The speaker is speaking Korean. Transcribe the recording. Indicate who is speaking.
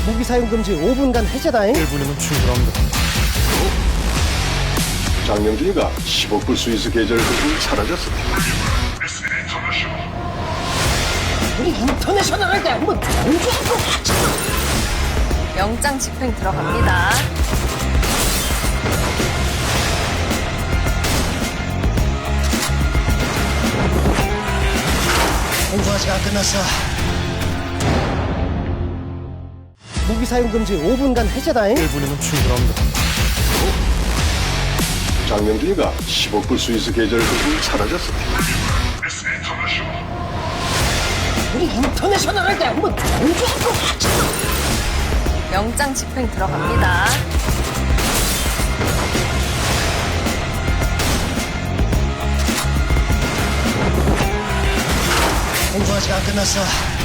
Speaker 1: 무기 사용 금지 5분간 해제다잉.
Speaker 2: 1분이면 충분합니다.
Speaker 3: 장명준이가 10억 불 스위스 계좌를 들고 사라졌어.
Speaker 1: 우리 인터내셔널할 때 한번 경주하고 가자.
Speaker 4: 영장 집행 들어갑니다.
Speaker 1: 공부 아직 안 끝났어. 무기 사용 금지 5분간 해제다잉.
Speaker 2: 1분이면 충분합니다.
Speaker 3: 장명준이가 10억 불 스위스 계좌를 들고 사라졌어.
Speaker 1: 우리 인터내셔널할 때 한번 경주하고 가자.
Speaker 4: 영장 집행 들어갑니다.
Speaker 1: 공부 아직 안 끝났어.